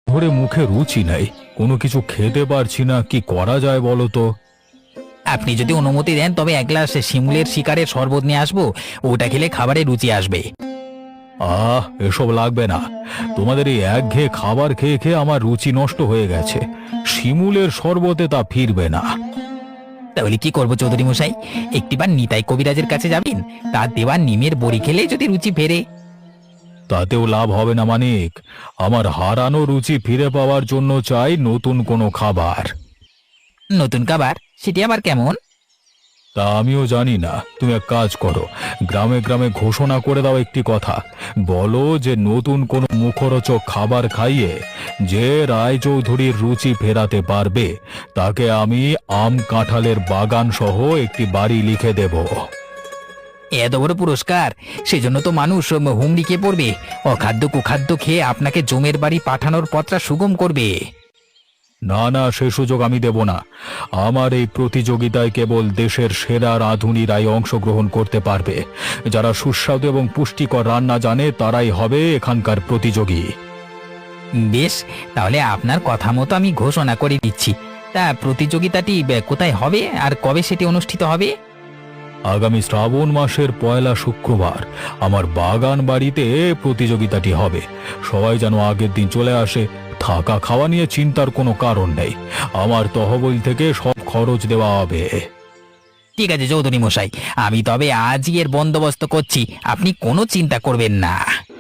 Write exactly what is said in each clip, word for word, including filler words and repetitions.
ধরে মুখে রুচি নেই, কোনো কিছু খেতে পারছি না, কি করা যায় বলো তো? আপনি যদি অনুমতি দেন তবে এক গ্লাস শিমুলের শিকারের শরবত নিয়ে আসবো, ওটা খেলে খাবারে রুচি আসবে। আহ এসব লাগবে না, তোমাদের এই একঘেয়ে খাবার খেয়ে খেয়ে আমার রুচি নষ্ট হয়ে গেছে। শিমুলের শরবতে তা ফিরবে না। তাহলে কি করবো চৌধুরী মশাই? একটিবার নিতাই কবিরাজের কাছে যাবেন, তার দেওয়া নিমের বড়ি খেলে যদি রুচি ফেরে। তাতেও লাভ হবে না মানিক, আমার হারানো রুচি ফিরে পাওয়ার জন্য চাই নতুন কোনো খাবার। নতুন খাবার? সেটি আবার কেমন? তা আমিও জানি না, তুমি এক কাজ করো, গ্রামে গ্রামে ঘোষণা করে দাও একটি কথা, বলো যে নতুন কোনো মুখরোচক খাবার খাইয়ে যে রায়চৌধুরীর রুচি ফেরাতে পারবে তাকে আমি আম কাঁঠালের বাগান সহ একটি বাড়ি লিখে দেব। এত বড় পুরস্কার, সেজন্য তো মানুষ হুমড়ি খেয়ে পড়বে, অখাদ্য কুখাদ্য খেয়ে আপনাকে জমের বাড়ি পাঠানোর পথটা সুগম করবে। না না, সে সুযোগ আমি দেব না। আমার এই প্রতিযোগিতায় কেবল দেশের সেরা রাঁধুনিরাই অংশগ্রহণ করতে পারবে। যারা সুস্বাদু এবং পুষ্টিকর রান্না জানে তারাই হবে এখানকার প্রতিযোগী। বেশ, তাহলে আপনার কথা মতো আমি ঘোষণা করে দিচ্ছি। তা প্রতিযোগিতাটি কোথায় হবে আর কবে সেটি অনুষ্ঠিত হবে? আগামী শ্রাবণ মাসের পয়লা শুক্রবার আমার বাগান বাড়িতে প্রতিযোগিতাটি হবে। সবাই যেন আগের দিন চলে আসে। থাকা খাওয়া নিয়ে চিন্তার কোনো কারণ নেই, আমার তহবিল থেকে সব খরচ দেওয়া হবে। ঠিক আছে চৌধুরী মশাই, আমি তবে আজই এর বন্দোবস্ত করছি, আপনি কোনো চিন্তা করবেন না।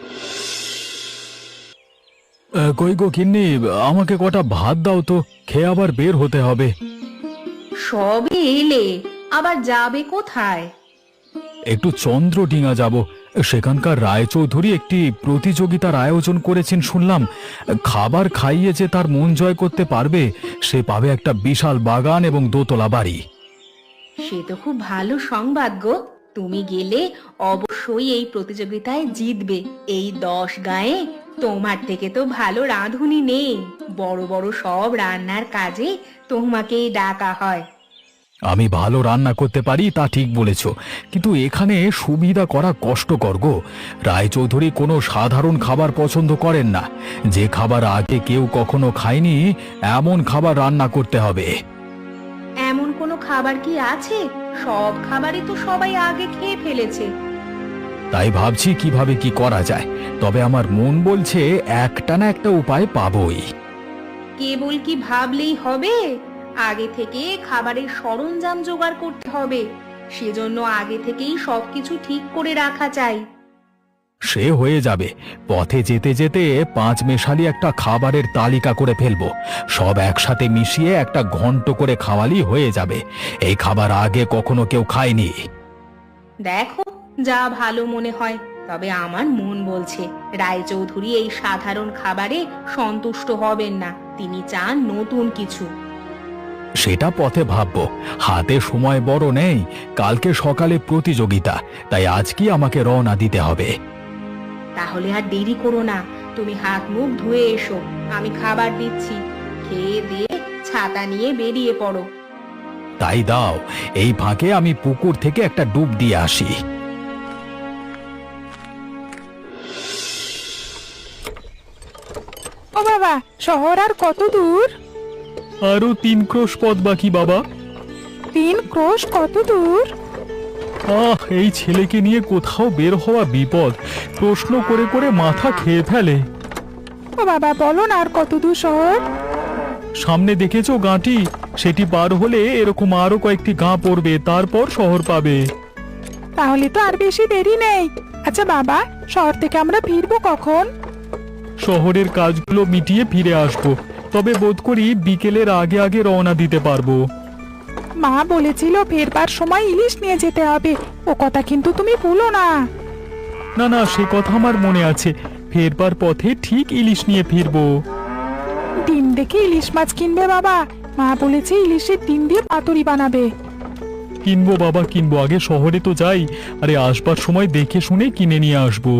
কই গো কিন্নি, আমাকে কটা ভাত দাও তো, খেয়ে আবার বের হতে হবে। সবে এলে আবার যাবে কোথায়? একটু চন্দ্রডিঙা যাব, সেখানকার রায়চৌধুরী একটি প্রতিযোগিতার আয়োজন করেছেন শুনলাম। খাবার খাইয়ে যে তার মন জয় করতে পারবে সে পাবে একটা বিশাল বাগান এবং দোতলা বাড়ি। সে তো খুব ভালো সংবাদ গো। তুমি গেলে অবশ্যই এই প্রতিযোগিতায় জিতবে। এই দশ গায়ে তোমার থেকে তো ভালো রাঁধুনি নেই, বড় বড় সব রান্নার কাজে তোমাকেই ডাকা হয়। আমি ভালো রান্না করতে পারি তা ঠিক বলেছ, কিন্তু এখানে সুবিধা করা কষ্টকর গো। রায়চৌধুরী কোনো সাধারণ খাবার পছন্দ করেন না, যে খাবার আগে কেউ কখনো খায়নি এমন খাবার রান্না করতে হবে। এমন কোনো খাবার কি আছে? সব খাবারই তো সবাই আগে খেয়ে ফেলেছে। তাই ভাবছি কিভাবে কি করা যায়, তবে আমার মন বলছে একটা না একটা উপায় পাবই। কেবল কি ভাবলেই হবে? আগে থেকে খাবারের সরঞ্জাম জোগাড় করতে হবে, সেজন্য আগে থেকেই সবকিছু ঠিক করে রাখা চাই। সে হয়ে যাবে, পথে যেতে যেতে পাঁচ মেশালি একটা খাবারের তালিকা করে ফেলবো, সব একসাথে মিশিয়ে একটা ঘন্ট করে খাওয়ালি হয়ে যাবে। এই খাবার আগে কখনো কেউ খায়নি। দেখো যা ভালো মনে হয়, তবে আমার মন বলছে রায়চৌধুরী এই সাধারণ খাবারে সন্তুষ্ট হবেন না, তিনি চান নতুন কিছু। সেটা পথে ভাববো, হাতে সময় বড় নেই, কালকে সকালে প্রতিযোগিতা, তাই আজকে আমাকে রওনা দিতে হবে। তাহলে আর দেরি করো না, তুমি হাত মুখ ধুয়ে এসো, আমি খাবার দিচ্ছি, খেয়ে দিয়ে ছাতা নিয়ে বেরিয়ে পড়ো। তাই দাও, এই ফাঁকে আমি পুকুর থেকে একটা ডুব দিয়ে আসি। ও বাবা, শহর আর কত দূর? আরো তিন ক্রোশ পথ বাকি বাবা। তিন ক্রোশ কত দূর? আহ, এই ছেলেকে নিয়ে কোথাও বের হওয়া বিপদ, প্রশ্ন করে করে মাথা খেয়ে ফেলে। ও বাবা, বলো না আর কত দূর শহর? সামনে দেখেছো গাঁটি, সেটি পার হলে এরকম আরো কয়েকটি গাঁ পড়বে, তারপর শহর পাবে। তাহলে তো আর বেশি দেরি নেই। আচ্ছা বাবা, শহর থেকে আমরা ফিরবো কখন? শহরের কাজগুলো মিটিয়ে ফিরে আসবো, তবে বোধ করি বিকেলের আগে আগে রওনা দিতে পারবো। মা বলেছিল ফেরবার সময় ইলিশ নিয়ে যেতে হবে, ও কথা কিন্তু তুমি ভুলো না। না না, সে কথা আমার মনে আছে, ফেরবার পথে ঠিক ইলিশ নিয়ে ফিরবো। ডিম দেখে ইলিশ মাছ কিনবে বাবা, মা বলেছে ইলিশের ডিম দিয়ে পাতুরি বানাবে। কিনবো বাবা কিনবো, আগে শহরে তো যাই, আরে আসবার সময় দেখে শুনে কিনে নিয়ে আসবো।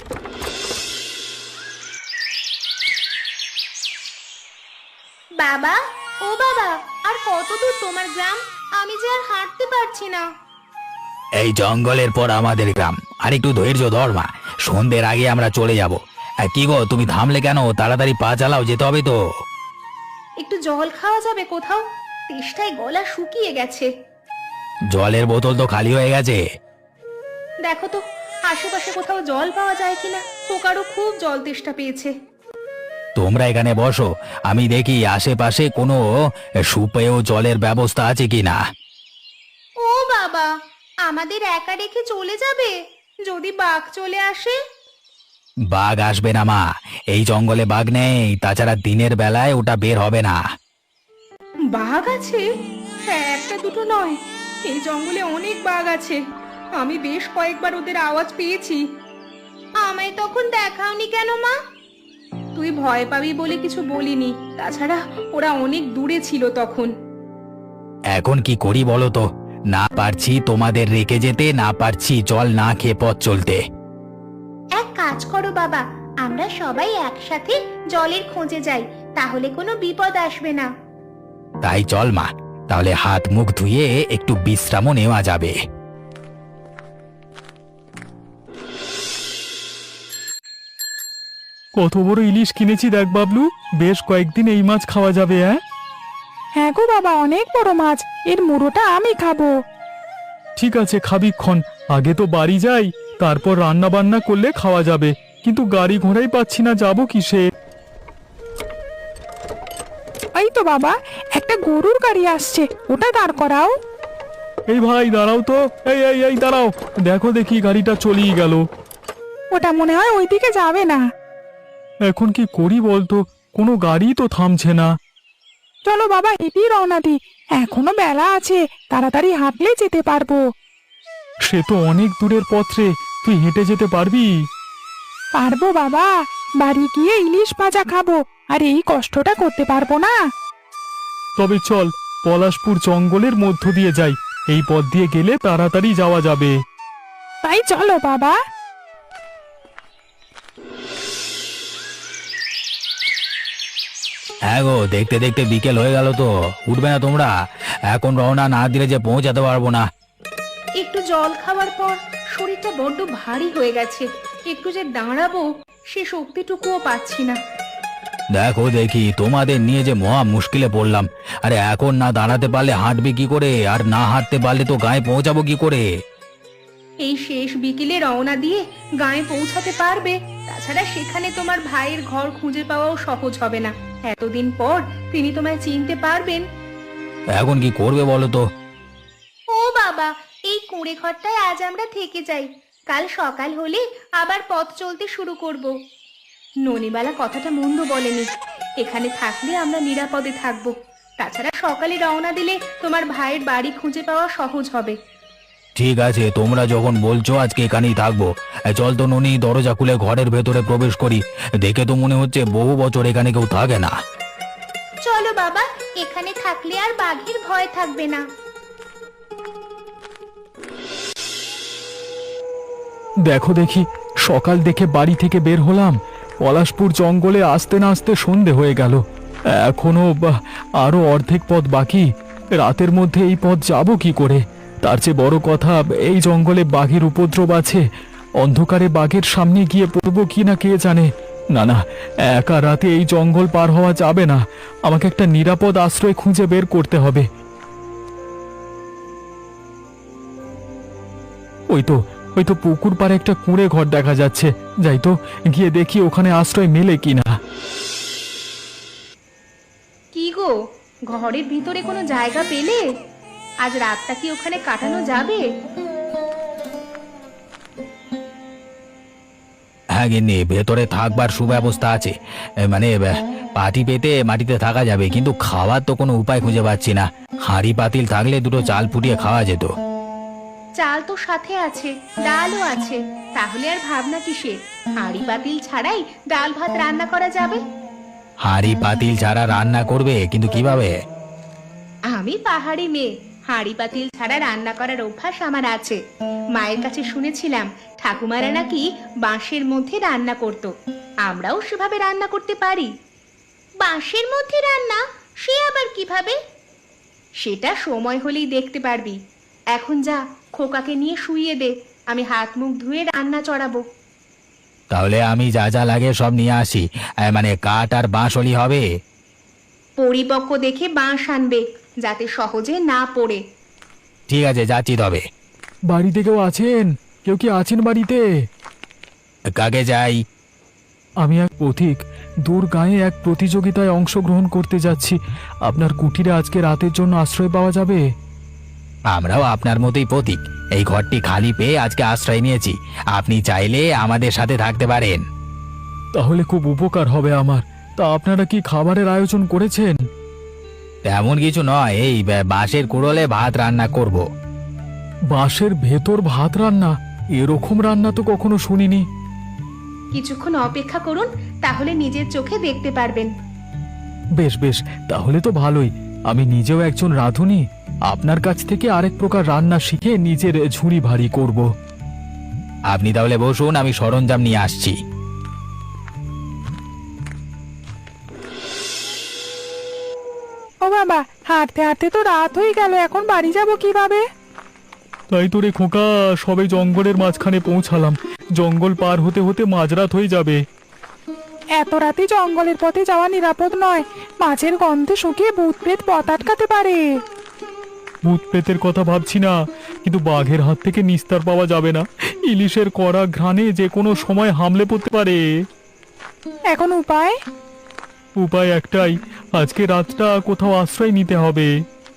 বাবা, ও বাবা, আর কত দূর তোমার গ্রাম? আমি যে আর হাঁটতে পারছি না। এই জঙ্গলের পর আমাদের গ্রাম, আর একটু ধৈর্য ধর মা, সন্ধ্যের আগে আমরা চলে যাব। আহ, কি গো তুমি থামলে কেন? তাড়াতাড়ি পা চালাও, যেতে হবে তো। একটু জল খাওয়া যাবে কোথাও? তেষ্টায় গলা শুকিয়ে গেছে। জলের বোতল তো খালি হয়ে গেছে। দেখো তো আশেপাশে কোথাও জল পাওয়া যায় কিনা, খোকারও খুব জল তেষ্টা পেয়েছে। তোমরা এখানে বসো, আমি দেখি আশেপাশে কোনো সুপেয় জলের ব্যবস্থা আছে কিনা। ও বাবা, আমাদের একা রেখে চলে যাবে? যদি বাঘ চলে আসে? বাঘ আসবে না মা, এই জঙ্গলে বাঘ নেই, তাছাড়া দিনের বেলায় ওটা বের হবে না। বাঘ আছে? হ্যাঁ, একটা দুটো নয়, এই জঙ্গলে অনেক বাঘ আছে। আমি বেশ কয়েকবার ওদের আওয়াজ পেয়েছি। আমায় তখন দেখাওনি কেন মা? তুই ভয় পাবি বলে কিছু বলিনি, তাছাড়া ওরা অনেক দূরে ছিল তখন। এখন কি করি বলো তো? না পারছি তোমাদের রেখে যেতে, না পারছি জল না খেয়ে পথ চলতে। এক কাজ করো বাবা, আমরা সবাই একসাথে জলের খোঁজে যাই, তাহলে কোনো বিপদ আসবে না। তাই চল মা, তাহলে হাত মুখ ধুয়ে একটু বিশ্রামও নেওয়া যাবে। কত বড় ইলিশ কিনেছি দেখ বাবলু, বেশ কয়েকদিন এই মাছ খাওয়া যাবে। হ্যাঁ হ্যাঁ গো বাবা, অনেক বড় মাছ, এর মুড়োটা আমি খাবো। ঠিক আছে, খাবিক্ষণ, আগে তো বাড়ি যাই, তারপর রান্না বান্না করলে খাওয়া যাবে। কিন্তু গাড়ি ঘোড়াই পাচ্ছি না, যাবো কিসে? এই তো বাবা, একটা গরুর গাড়ি আসছে, ওটা দাঁড় করাও। এই ভাই দাঁড়াও তো, এই এই এই দাঁড়াও, দেখো দেখি গাড়িটা চলেই গেল। ওটা মনে হয় ওইদিকে যাবে না। এখন কি করি বলতো, কোনো গাড়ি তো থামছে না। চলো বাবা, হেঁটেই রওনা দি, এখনো বেলা আছে, তাড়াতাড়ি হাঁটলে যেতে পারবো। সে তো অনেক দূরের পথ রে, তুই হেঁটে যেতে পারবি? পারবো বাবা, বাড়ি গিয়ে ইলিশ ভাজা খাবো, আর এই কষ্টটা করতে পারবো না। তবে চল, পলাশপুর জঙ্গলের মধ্য দিয়ে যাই, এই পথ দিয়ে গেলে তাড়াতাড়ি যাওয়া যাবে। তাই চলো বাবা। হ্যাঁ গো, দেখতে দেখতে বিকেল হয়ে গেল তো, উঠবে না তোমরা? এখন রওনা না দিলে যে পৌঁছাতে পারবো না। একটু জল খাওয়ার পর শরীরটা বড্ড ভারী হয়ে গেছে, একটু যে দাঁড়াবো সে শক্তিটুকুও পাচ্ছি না। দেখো দেখি, তোমাদের নিয়ে যে মহা মুশকিলে পড়লাম। আরে এখন না দাঁড়াতে পারলে হাঁটবে কি করে, আর না হাঁটতে পারলে তো গায়ে পৌঁছাবো কি করে? এই শেষ বিকেলে রওনা দিয়ে গায়ে পৌঁছাতে পারবে? তাছাড়া সেখানে তোমার ভাইয়ের ঘর খুঁজে পাওয়াও সহজ হবে না। এতদিন পর তিনি তোমায় চিনতে পারবেন? এখন কি করবে বলো তো? ও বাবা, এই কুঁড়ে ঘরটায় আজ আমরা থেকে যাই, কাল সকাল হলে আবার পথ চলতে শুরু করব। ননিবালা কথাটা মন্দ বলেনি, এখানে থাকলে আমরা নিরাপদে থাকবো। তাছাড়া সকালে রওনা দিলে তোমার ভাইয়ের বাড়ি খুঁজে পাওয়া সহজ হবে। ঠিক আছে, তোমরা যখন বলছো আজকে এখানেই থাকবো। এ, চল তো ননি, দরজা খুলে ঘরের ভেতরে প্রবেশ করি। দেখে তো মনে হচ্ছে বহু বছর এখানে কেউ থাকে না। চলো বাবা, এখানে থাকলে আর বাঘের ভয় থাকবে না। দেখো দেখি, সকাল দেখে বাড়ি থেকে বের হলাম, পলাশপুর জঙ্গলে আসতে না আসতে সন্ধে হয়ে গেল। এখনো বা- আরো অর্ধেক পথ বাকি। রাতের মধ্যে এই পথ যাব কি করে? তার চেয়ে বড় কথা, এই জঙ্গলে বাঘের উপদ্রব আছে, অন্ধকারে বাঘের সামনে গিয়ে পড়বো কি না কে জানে। না না, একা রাতে এই জঙ্গল পার হওয়া যাবে না, আমাকে একটা নিরাপদ আশ্রয় খুঁজে বের করতে হবে। ওই তো ওই তো পুকুর পাড়ে একটা কুঁড়ে ঘর দেখা যাচ্ছে, যাই তো, গিয়ে দেখি ওখানে আশ্রয় মেলে কিনা। কি গো, ঘরের ভিতরে কোনো জায়গা পেলে? আজ রাতটা কি ওখানে কাটানো যাবে? হ্যাঁ গিন্নি, ভেতরে থাকবার সুব্যবস্থা আছে। এ, মানে এ, পাটি পেতে মাটিতে থাকা যাবে, কিন্তু খাওয়ার তো কোনো উপায় খুঁজে পাচ্ছি না। হাঁড়ি পাতিল থাকলে দুটো চাল ফুটিয়ে খাওয়া যেত। চাল তো সাথে আছে, ডালও আছে, তাহলে আর ভাবনা কিসের? হাঁড়ি পাতিল ছাড়াই ডাল ভাত রান্না করা যাবে। হাঁড়ি পাতিল ছাড়া রান্না করবে, কিন্তু কিভাবে? আমি পাহাড়ি মেয়ে, হাঁড়ি পাতিল ছাড়া রান্না করার অভ্যাস আমার আছে। মায়ের কাছে শুনেছিলাম ঠাকুমারা নাকি বাঁশের মধ্যে রান্না করত, আমরাও সেভাবে রান্না করতে পারি। বাঁশের মধ্যে রান্না? সে আবার কিভাবে? সেটা সময় হলেই দেখতে পারবি। এখন যা, খোকাকে নিয়ে শুইয়ে দে, আমি হাত মুখ ধুয়ে রান্না চড়াবো। তাহলে আমি যা যা লাগে সব নিয়ে আসি, এ, মানে কাঠ আর বাঁশলি হবে। পরিপক্ক দেখে বাঁশ আনবে, যাতে সহজে না পড়ে। ঠিক আছে, যাচ্ছি তবে। বাড়িতে কেউ আছেন? কেউ কি আছেন বাড়িতে? কাকে যাই? আমি এক পথিক, দূর গাঁয়ে এক প্রতিযোগিতায় অংশগ্রহণ করতে যাচ্ছি। আপনার কুটিরে আজকে রাতের জন্য আশ্রয় পাওয়া যাবে? আমরাও আপনার মতোই পথিক, এই ঘরটি খালি পেয়ে আজকে আশ্রয় নিয়েছি। আপনি চাইলে আমাদের সাথে থাকতে পারেন। তাহলে খুব উপকার হবে আমার। তা আপনারা কি খাবারের আয়োজন করেছেন? তেমন কিছু নয়, এই বা- বাঁশের কুড়োলে ভাত রান্না করব। বাঁশের ভেতর ভাত রান্না? এরকম রান্না তো কখনো শুনিনি। কিছুক্ষণ অপেক্ষা করুন, তাহলে নিজের চোখে দেখতে পারবেন। বেশ বেশ, তাহলে তো ভালোই। আমি নিজেও একজন রাঁধুনি, আপনার কাছ থেকে আরেক প্রকার রান্না শিখে নিজের ঝুড়ি ভারী করব। আপনি তাহলে বসুন, আমি সরঞ্জাম নিয়ে আসছি। ও বাবা, হাঁটতে হাঁটতে তো রাত হয়ে গেল, এখন বাড়ি যাব কিভাবে? তাই তো রে খোকা, সবে জঙ্গলের মাঝখানে পৌঁছালাম। জঙ্গল পার হতে হতে মাঝরাত হয়ে যাবে। এত রাতে জঙ্গলের পথে যাওয়া নিরাপদ নয়, মাছের গন্ধে শুকিয়ে ভূত প্রেত পথ আটকাতে পারে। ভূত প্রেতের কথা ভাবছি না, কিন্তু বাঘের হাত থেকে নিস্তার পাওয়া যাবে না। ইলিশের কড়া ঘ্রাণে যে কোনো সময় হামলে পড়তে পারে। এখন উপায়? উপায় একটাই, আজকে রাতটা কোথাও আশ্রয় নিতে হবে।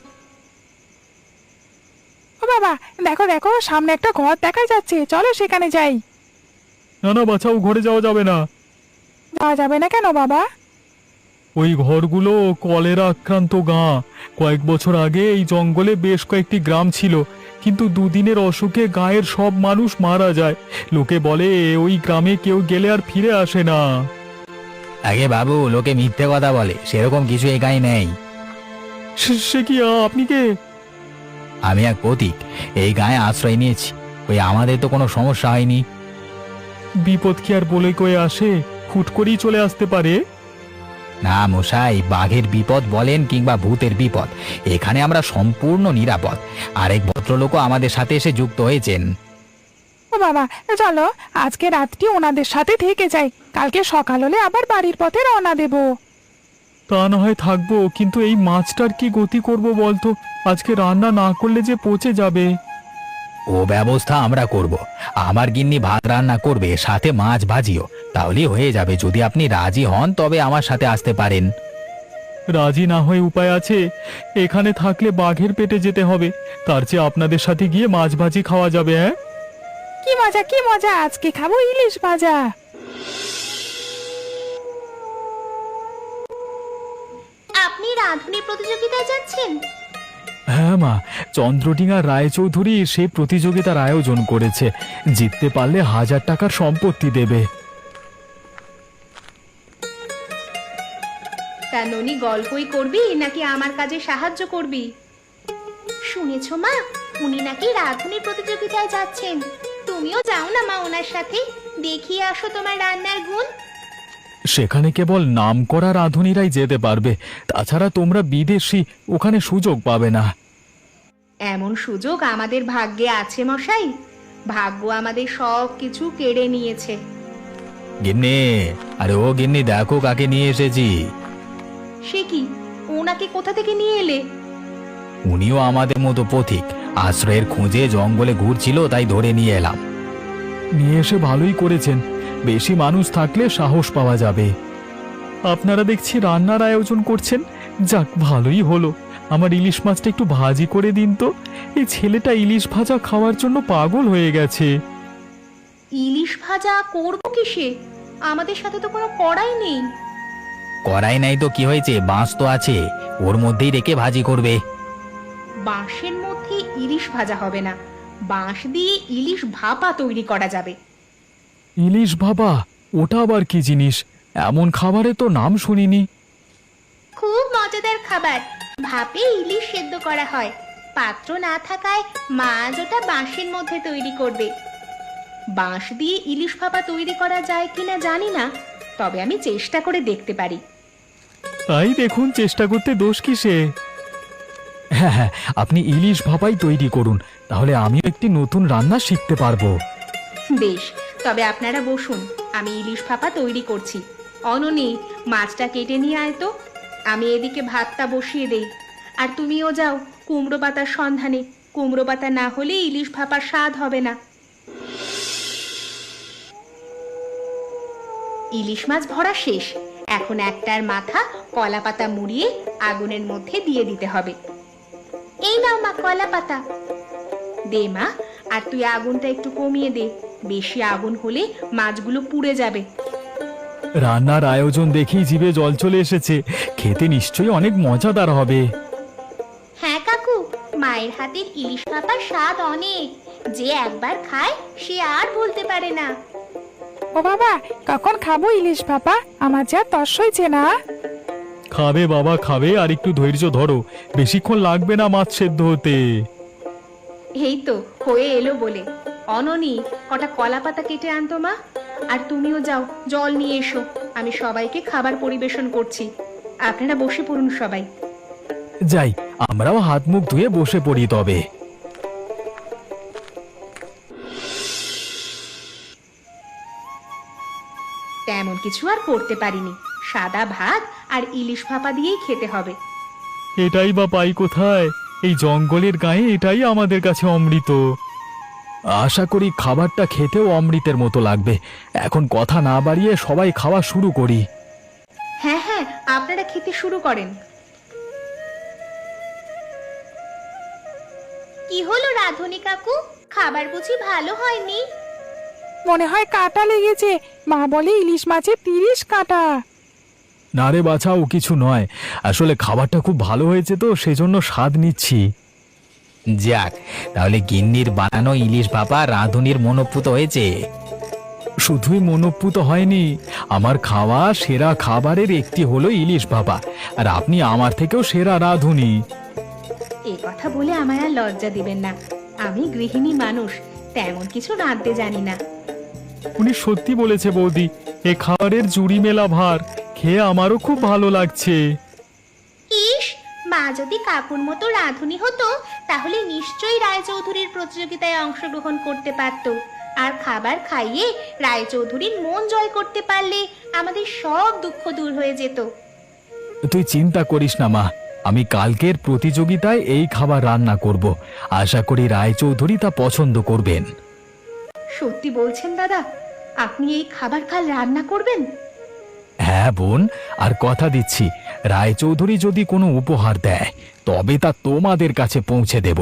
ও বাবা, দেখো দেখো, সামনে একটা ঘর দেখা যাচ্ছে, চলো সেখানে যাই। না না বাছাও, ঘরে যাওয়া যাবে না। যাওয়া যাবে না কেন বাবা? ওই ঘরগুলো কলেরা আক্রান্ত গাঁ। কয়েক বছর আগে এই জঙ্গলে বেশ কয়েকটি গ্রাম ছিল, কিন্তু দুদিনের অসুখে গাঁয়ের সব মানুষ মারা যায়। লোকে বলে ওই গ্রামে কেউ গেলে আর ফিরে আসে না। আগে বাবু, লোকে মিথ্যে কথা বলে, সেরকম কিছু এই গায়ে নেই। সে- সে কি, আপনি কে? আমি এক পথিক, এই গায়ে আশ্রয় নিয়েছি। ওই আমাদের তো কোনো সমস্যা হয়নি। বিপদ কি আর বলে কয়ে আসে? হুট করেই চলে আসতে পারে। না মশাই, বাঘের বিপদ বলেন কিংবা ভূতের বিপদ, এখানে আমরা সম্পূর্ণ নিরাপদ। আরেক ভদ্রলোকও আমাদের সাথে এসে যুক্ত হয়েছেন। ও বাবা, চলো আজকে রাতটি ওনাদের সাথে থেকে যাই, কালকে সকাল হলে আবার বাড়ির পথে রওনা দেব। তা না হয় থাকবো, কিন্তু এই মাছটার কি গতি করব বলতো? আজকে রান্না না করলে যে পচে যাবে। ও ব্যবস্থা আমরা করব। আমার গিন্নি ভাত রান্না করবে, সাথে মাছ ভাজিও, তাহলেই হয়ে যাবে। যদি আপনি রাজি হন তবে আমার সাথে আসতে পারেন। রাজি না হয়ে উপায় আছে? এখানে থাকলে বাঘের পেটে যেতে হবে, তার চেয়ে আপনাদের সাথে গিয়ে মাছ ভাজি খাওয়া যাবে। হ্যাঁ, কি মজা কি মজা, আজকে খাবো ইলিশ ভাজা। আপনি রাঁধুনি প্রতিযোগিতায় যাচ্ছেন? হ্যাঁ মা, চন্দ্রডিঙা রায়চৌধুরী সেই প্রতিযোগিতার আয়োজন করেছে। জিততে পারলে হাজার টাকার সম্পত্তি দেবে। তা ননি, গল্পই করবি নাকি আমার কাজে সাহায্য করবি? শুনেছো মা, উনি নাকি রাঁধুনি প্রতিযোগিতায় যাচ্ছেন। তুমিও যাও না মা ওনার সাথে, দেখিয়ে আসো তোমার রান্নার গুণ। সেখানে কেবল নামকরা রাঁধুনিরাই যেতে পারবে, তাছাড়া তোমরা বিদেশি, ওখানে সুযোগ পাবে না। এমন সুযোগ আমাদের ভাগ্যে আছে মশাই? ভাগ্য আমাদের সব কিছু কেড়ে নিয়েছে। গিন্নি, আরে ও গিন্নি, দেখো কাকে নিয়ে এসেছি। সে কি, ওনাকে কোথা থেকে নিয়ে এলে? উনিও আমাদের মতো পথিক, আশ্রয়ের খোঁজে জঙ্গলে ঘুরছিল, তাই ধরে নিয়ে এলাম। নিয়ে এসে ভালোই করেছেন, বেশি মানুষ থাকলে সাহস পাওয়া যাবে। আপনারা দেখছি রান্নার আয়োজন করছেন, যাক ভালোই হলো। আমার ইলিশ মাছটা একটু ভাজি করে দিন তো। এই ছেলেটা ইলিশ ভাজা খাওয়ার জন্য পাগল হয়ে গেছে। ইলিশ ভাজা করবো কিসে? আমাদের সাথে তো কোনো কড়াই নেই। কড়াই নাই তো কি হয়েছে, বাঁশ তো আছে, ওর মধ্যেই রেখে ভাজি করবে। বাঁশের মধ্যে ইলিশ ভাজা হবে না, বাঁশ দিয়ে ইলিশ ভাপা তৈরি করা যাবে। ইলিশ বাবা, ওটা আবার কি জিনিস? এমন খাবারে তো নাম শুনিনি। খুব মজাদার খাবার, ভাপে ইলিশ সেদ্ধ করা হয়। পাত্র না থাকায় মাছ ওটা বাঁশের মধ্যে তৈরি করবে। বাঁশ দিয়ে ইলিশ ভাপা তৈরি করা যায় কিনা জানি না, তবে আমি চেষ্টা করে দেখতে পারি। তাই দেখুন, চেষ্টা করতে দোষ কিসে? হ্যাঁ হ্যাঁ, আপনি ইলিশ ভাপাই তৈরি করুন, তাহলে আমিও একটি নতুন রান্না শিখতে পারবো। বেশ, তবে আপনারা বসুন, আমি ইলিশ ভাপা তৈরি করছি। অননি, মাছটা কেটে নিয়ে আয় তো। আমি এদিকে ভাতটা বসিয়ে দেই। আর তুমিও যাও কুমড়ো পাতার সন্ধানে। কুমড়ো পাতা না হলে ইলিশ ভাপার স্বাদ হবে না। ইলিশ মাছ ভরা শেষ। এখন একটার মাথা কলা পাতা মুড়িয়ে আগুনের মধ্যে দিয়ে দিতে হবে। এই নাও মা কলা পাতা। দে মা, আর তুই আগুনটা একটু কমিয়ে দে। বেশি আগুন হলে মাছগুলো পুড়ে যাবে। রান্নার আয়োজন দেখেই জিভে জল চলে এসেছে। খেতে নিশ্চয়ই অনেক মজাদার হবে। হ্যাঁ কাকু, মায়ের হাতের ইলিশ ভাপার স্বাদ অনেক। যে একবার খায় সে আর ভুলতে পারে না। ও বাবা, কখন খাবো ইলিশ ভাপা? আমার যা তর্স হয়েছে না। খাবে বাবা খাবে, আর একটু ধৈর্য ধরো, বেশিক্ষণ লাগবে না মাছ সেদ্ধ হতে। এই তো হয়ে এলো বলে। অননি, কটা কলা পাতা কেটে আনতো মা। আর তুমিও যাও জল নিয়ে এসো। আমি সবাইকে খাবার পরিবেশন করছি। আপনারা বসে পড়ুন সবাই। যাই, আমরাও হাত মুখ ধুয়ে বসে পড়ি তবে। তেমন কিছু আর করতে পারিনি। সাদা ভাত আর ইলিশ ভাপা দিয়েই খেতে হবে। এটাই বা পাই কোথায়? এই জঙ্গলের গায়ে এটাই আমাদের কাছে অমৃত। আশা করি খাবারটা খেতেও অমৃতের মতো লাগবে। এখন কথা না বাড়িয়ে সবাই খাওয়া শুরু করি। হ্যাঁ হ্যাঁ, আপনারা খেতে শুরু করেন। কি হলো রাধুনি কাকু, খাবার বুঝি ভালো হয়নি? মনে হয় কাঁটা লেগেছে। মা বলে ইলিশ মাছে তিরিশ কাঁটা। না রে বাছা, ও কিছু নয়। আসলে খাবারটা খুব ভালো হয়েছে তো সেজন্য স্বাদ নিচ্ছি। যাক, তাহলে গিন্নির বানানো ইলিশ ভাপা রাঁধুনির মনোপুত হয়েছে। শুধুই মনোপুত হয়নি, আমার খাওয়া সেরা খাবারের একটি হলো ইলিশ ভাপা। আর আপনি আমার থেকেও সেরা রাঁধুনি। এ কথা বলে আমায় আর লজ্জা দিবেন না। আমি গৃহিণী মানুষ, তেমন কিছু রাঁধতে জানি না। উনি সত্যি বলেছে বৌদি। এ খাবারের জুড়ি মেলা ভার, খেয়ে আমারও খুব ভালো লাগছে। ইস, মা যদি কাকুর মতো রাঁধুনি হতো তাহলে নিশ্চয়ই রায়চৌধুরীর প্রতিযোগিতায় অংশগ্রহণ করতে পারত। আর খাবার খাইয়ে রায়চৌধুরীর মন জয় করতে পারলে আমাদের সব দুঃখ দূর হয়ে যেত। তুই চিন্তা করিস না মা, আমি কালকের প্রতিযোগিতায় এই খাবার রান্না করব। আশা করি রায়চৌধুরী তা পছন্দ করবেন। সত্যি বলছেন দাদা? আপনি এই খাবার কাল রান্না করবেন? হ্যাঁ বোন, আর কথা দিচ্ছি, রায়চৌধুরী যদি কোনো উপহার দেয় তবে তা তোমাদের কাছে পৌঁছে দেব।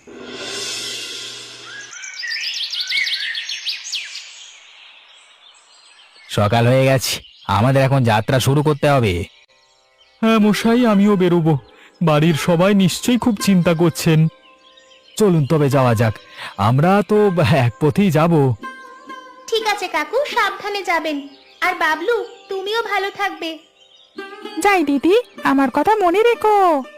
সকাল হয়ে গেছে, আমাদের এখন যাত্রা শুরু করতে হবে। হ্যাঁ মশাই, আমিও বেরোবো। বাড়ির সবাই নিশ্চয়ই খুব চিন্তা করছেন। চলুন তবে যাওয়া যাক। আমরা তো এক পথেই যাব। ঠিক আছে কাকু, সাবধানে যাবেন। আর বাবলু, তুমিও ভালো থাকবে। যাই দিদি, আমার কথা মনে রেখো।